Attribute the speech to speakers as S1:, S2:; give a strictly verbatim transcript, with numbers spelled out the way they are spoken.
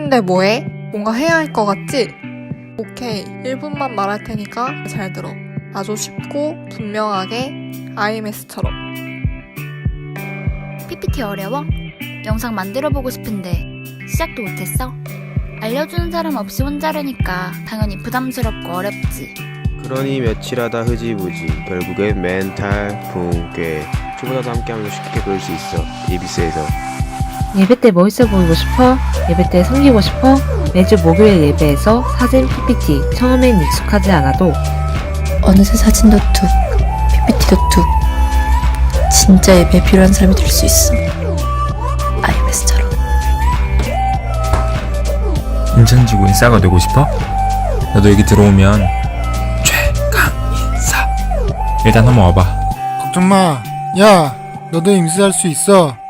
S1: 근데 뭐해? 뭔가 해야 할 것 같지? 오케이, 일 분만 말할 테니까 잘 들어. 아주 쉽고 분명하게 아이엠에스처럼.
S2: 피피티 어려워? 영상 만들어보고 싶은데 시작도 못했어? 알려주는 사람 없이 혼자라니까 당연히 부담스럽고 어렵지.
S3: 그러니 며칠 하다 흐지부지 결국엔 멘탈 붕괴. 초보자도 함께하면서 쉽게 배울 수 있어. 이비스에서.
S4: 예배 때 멋있어 보이고 싶어? 예배 때 섬기고 싶어? 매주 목요일 예배에서 사진 피피티 처음엔 익숙하지 않아도
S5: 어느새 사진도 툭, 피피티도 툭. 진짜 예배에 필요한 사람이 될 수 있어. 아이엠에스처럼.
S6: 인천지구 인싸가 되고 싶어? 너도 여기 들어오면 최강인싸 일단 한번 와봐.
S7: 걱정 마. 야, 너도 임수할 수 있어.